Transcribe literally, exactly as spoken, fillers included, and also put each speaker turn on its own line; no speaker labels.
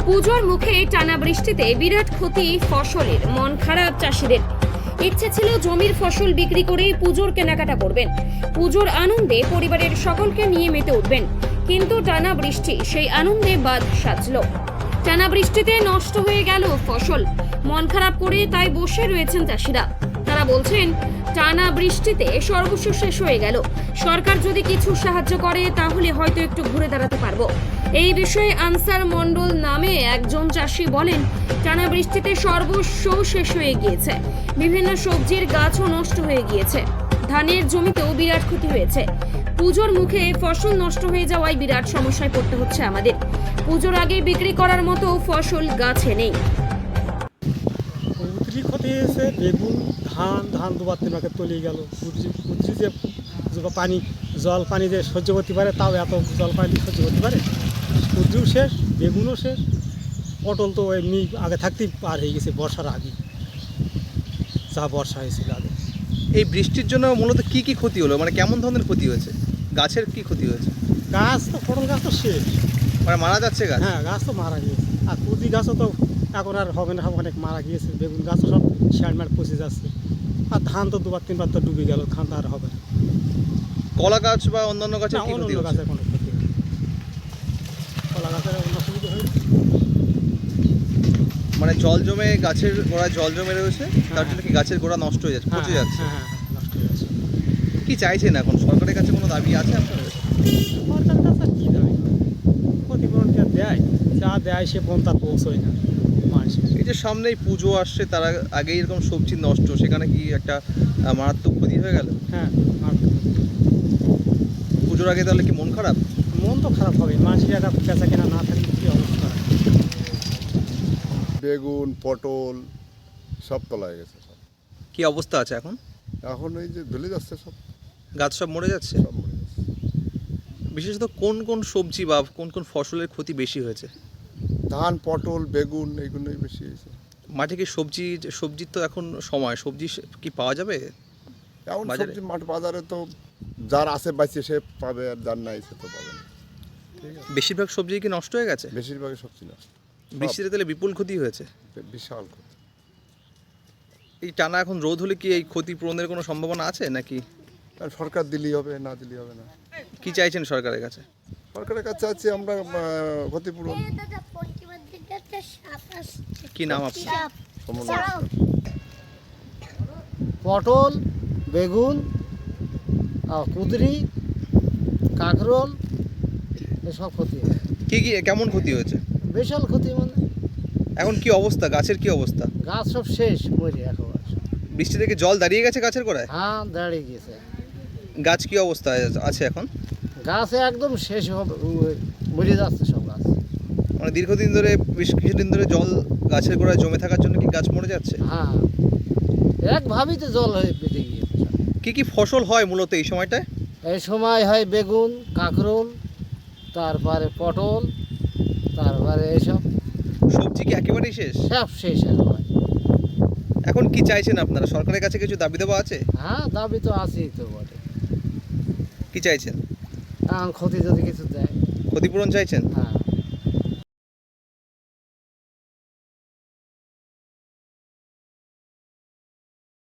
পুজোর মুখে টানা বৃষ্টিতে বিরাট ক্ষতি ফসলের, মন খারাপ চাষিদের। ইচ্ছে ছিল জমির ফসল বিক্রি করেই পুজোর কেনাকাটা করবেন, পুজোর আনন্দে পরিবারের সকলকে নিয়ে মেতে উঠবেন, কিন্তু টানা বৃষ্টি সেই আনন্দে বাদ সাজলো। টানা বৃষ্টিতে নষ্ট হয়ে গেল ফসল, মন খারাপ করে তাই বসে রয়েছেন চাষিরা। তারা বলছেন, টানা বৃষ্টিতে সর্বস্ব শেষ হয়ে গেল, সরকার যদি কিছু সাহায্য করে তাহলে হয়তো একটু ঘুরে দাঁড়াতে পারবো। এই বিষয়ে আনসার মণ্ডল নামে একজন চাষি বলেন, টানা বৃষ্টিতে সর্বস্ব শেষ হয়ে গিয়েছে, বিভিন্ন সবজির গাছও নষ্ট হয়ে গিয়েছে, ধানের জমিতেও বিরাট ক্ষতি হয়েছে। পুজোর মুখে ফসল নষ্ট হয়ে যাওয়ায় বিরাট সমস্যায় পড়তে হচ্ছে আমাদের। পুজোর আগে বিক্রি করার মতো ফসল গাছে নেই।
কুদরি ক্ষতি হয়েছে, বেগুন, ধান ধান দুবার তিনবার তলিয়ে গেল। কুদরি কুদরি যে পানি জল পানি যে সহ্য করতে পারে, তাও এত জল পানি সহ্য করতে পারে। কুদরিও শেষ, বেগুনও শেষ, পটল তো এমনি আগে থাকতেই পার হয়ে গেছে বর্ষার আগে, যা বর্ষা হয়েছিল আগে।
এই বৃষ্টির জন্য মূলত কি কি ক্ষতি হলো, মানে কেমন ধরনের ক্ষতি হয়েছে, গাছের কি ক্ষতি হয়েছে?
গাছ তো পটল গাছ তো শেষ,
মানে মারা যাচ্ছে গাছ?
হ্যাঁ গাছ তো মারা গিয়েছে। আর কুদরি গাছও তো এখন আর হবে না, অনেক মারা গিয়েছে। বেগুন গাছও সব শ্যাট ম্যাট পচে যাচ্ছে। আর ধান তো দুবার তিনবার তো ডুবে গেল, ধান তো আর হবে না।
কলা গাছ বা অন্যান্য গাছের কি ক্ষতি
অন্য
হচ্ছে?
গাছের কোনো ক্ষতি হয়নি, কলা গাছের অন্য সুবিধা হয়েছে।
মানে জল জমে গাছের গোড়ায় জল জমে রয়েছে, তার জন্য কি গাছের গোড়া নষ্ট হয়ে যাচ্ছে, পচে যাচ্ছে?
হ্যাঁ হ্যাঁ হ্যাঁ, নষ্ট হয়ে যাচ্ছে।
কি চাইছেন এখন, সরকারের কাছে কোনো দাবি আছে আপনাদের?
সরকারের কাছে আর কী দাবি, ক্ষতিপূরণ যা দেয়, যা দেয় সে পর্যন্ত আর পৌঁছয় না মানুষের।
এই যে সামনেই পুজো আসছে, তার আগেই এরকম সবজি নষ্ট, সেখানে কি একটা আহ, মারাত্মক ক্ষতি হয়ে গেল?
হ্যাঁ, আর
পুজোর আগে তাহলে কি মন খারাপ?
মন তো খারাপ হবে, মানুষের একটা পেঁচা কেনা না থাকলে কী অবস্থা হয়।
বেগুন, পটল সব তলায় গেছে সব।
কি অবস্থা আছে এখন?
এখন এই যে ধুলে যাচ্ছে সব,
গাছ সব মরে যাচ্ছে?
সব মরে যাচ্ছে।
বিশেষত কোন কোন সবজি বা কোন কোন ফসলের ক্ষতি বেশি হয়েছে?
ধান, পটল, বেগুন এইগুলোই বেশি হয়েছে।
মাঠে কি সবজি, সবজির তো এখন সময়, সবজি সে- কি পাওয়া যাবে?
এখন
বাজারে?
সবজি মাঠ বাজারে তো যার আছে বাইছে সে পাবে, আর যার নাই সে তো পাবে না। ঠিক আছে,
বেশিরভাগ সবজি কি নষ্ট হয়ে গেছে?
বেশিরভাগই সবজি না,
বৃষ্টিতে তাহলে বিপুল ক্ষতি হয়েছে।
বিশাল ক্ষতি।
এই টানা এখন রোদ হলে কি এই ক্ষতি পূরণের কোনো সম্ভাবনা আছে নাকি?
আর সরকার দিলেই হবে, না দিলেই হবে না।
কি চাইছেন সরকারের কাছে?
সরকারের কাছে আছে আমরা আহ, ক্ষতিপূরণ।
কি নাম আপনার?
সমন্বয়।
পটল, বেগুন, আর কুদরি, কাঁকরোল এসব ক্ষতি হয়।
কি কি কেমন ক্ষতি হয়েছে?
বিশাল ক্ষতি, মানে
এখন কি অবস্থা, গাছের কি অবস্থা?
গাছ সব শেষ, মরে একেবারে।
বৃষ্টি থেকে জল দাঁড়িয়ে গেছে গাছের গোড়ায়?
হ্যাঁ, দাঁড়িয়ে গেছে।
গাছ কি অবস্থায় আছে এখন?
গাছ একদম শেষ হবে, উ- মরে যাচ্ছে সব গাছ।
মানে দীর্ঘদিন ধরে, বেশ কিছুদিন ধরে জল গাছের গোড়ায় জমে থাকার জন্য কি গাছ মরে যাচ্ছে?
হ্যাঁ, একভাবেই তো জল হয়ে বেঁধে গিয়েছে সব।
কি কি ফসল হয় মূলত এই সময়টায়?
এই সময় হয় বেগুন, কাঁকরোল, তারপরে পটল, তারপরে এইসব
সবজি কি একেবারেই শেষ?
সব শেষ একেবারে।
এখন কি চাইছেন আপনারা, সরকারের কাছে কিছু দাবি দেওয়া আছে?
হ্যাঁ, দাবি তো আছেই তো বটে।
কি চাইছেন?
এখন ক্ষতি যদি কিছু দেয়।
ক্ষতিপূরণ চাইছেন?
হ্যাঁ।